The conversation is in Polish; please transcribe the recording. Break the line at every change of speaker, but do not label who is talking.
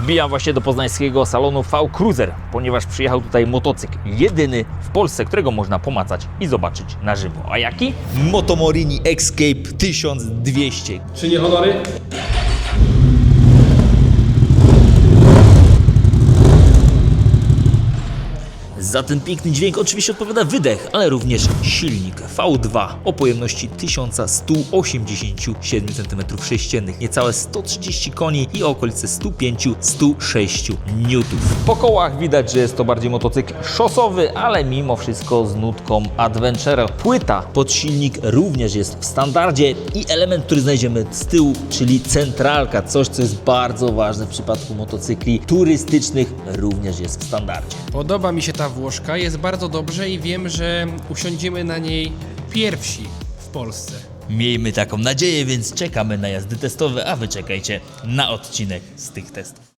Wbijam właśnie do poznańskiego salonu V-Cruiser, ponieważ przyjechał tutaj motocykl jedyny w Polsce, którego można pomacać i zobaczyć na żywo. A jaki? Motomorini Escape 1200.
Czy nie honory?
Za ten piękny dźwięk oczywiście odpowiada wydech, ale również silnik V2 o pojemności 1187 cm3, niecałe 130 koni i okolice 105-106 N. Po kołach widać, że jest to bardziej motocykl szosowy, ale mimo wszystko z nutką adventure. Płyta pod silnik również jest w standardzie i element, który znajdziemy z tyłu, czyli centralka, coś co jest bardzo ważne w przypadku motocykli turystycznych, również jest w standardzie.
Podoba mi się ta Włoszka, jest bardzo dobrze i wiem, że usiądziemy na niej pierwsi w Polsce.
Miejmy taką nadzieję, więc czekamy na jazdy testowe, a wy czekajcie na odcinek z tych testów.